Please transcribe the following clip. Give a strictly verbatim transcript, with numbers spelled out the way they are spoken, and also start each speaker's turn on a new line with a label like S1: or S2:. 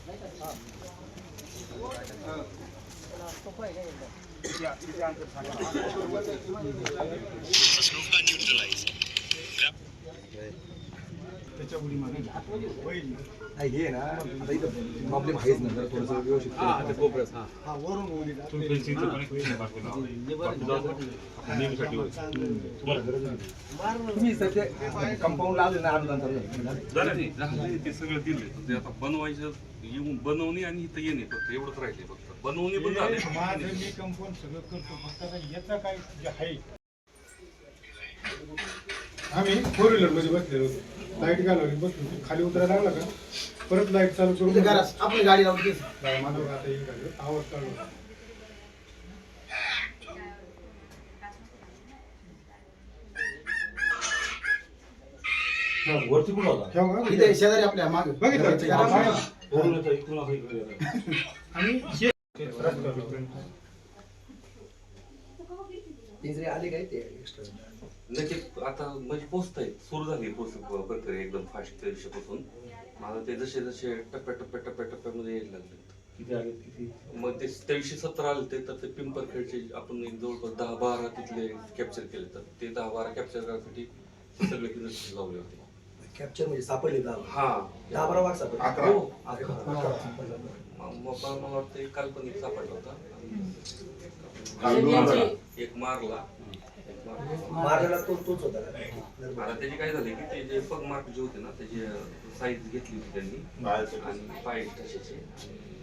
S1: त्याच्या उडी मागे
S2: नाही हे ना आता इथं प्रॉब्लेम आहेच ना जरा थोडंसं व्यवस्थित
S1: हा ते कोपऱ्यात हा हा वरून उडी तुम्ही फेन्सिंगचं कनेक्शन बाकीला नेहमीसाठी तुम्हाला गरज नाही
S2: तुम्ही सध्या कंपाऊंड लावले ना आठ नंतर
S3: झालं नाही ते सगळं दिले ते आता बनवायचं येऊन बनवणे आणि इथं येणे फक्त एवढंच राहिले फक्त बनवणे पण झाले
S1: माझं मी कंपाऊंड सगळं करतो फक्त आता याचं काय जे आहे आम्ही फोर व्हीलर मध्ये बसलेलो होतो लाईट घालवली बसलो खाली उतरायला लागला का परत लाईट चालू करून
S2: आपली गाडी लावली
S1: माझं आता येईल का आवाज चालू
S4: वरती कुठं होता
S2: इथे शेजारी आपल्या मागे
S1: बघितलं आणि
S2: पिंजरे आले काय ते एक्स्ट्रा
S3: नक्की आता म्हणजे पोचताय सुरू झाली प्रक्रिया एकदम फास्ट त्या दिवशीपासून मला ते जसे जसे टप्प्या टप्प्या टप्प्या टप्प्यामध्ये यायला लागले
S4: किती आले किती
S3: मग ते त्याविषयी सतरा आले ते तर ते पिंपरखेडचे आपण एक जवळपास दहा बारा तिथले कॅप्चर केले तर ते दहा बारा कॅप्चर करण्यासाठी सगळे तिथे लावले होते
S2: कॅप्चर म्हणजे सापडले दहा
S3: हा
S2: दहा बारा वाट सापडले
S3: अकरा हो अकरा मग मला वाटतं एक काल्पनिक सापडला होता एक मारला
S2: मारलेला तो तोच होता
S3: आता त्याची काय झाले की ते जे पग मार्क जे होते ना त्याची साईज घेतली होती त्यांनी आणि पाय तशाचे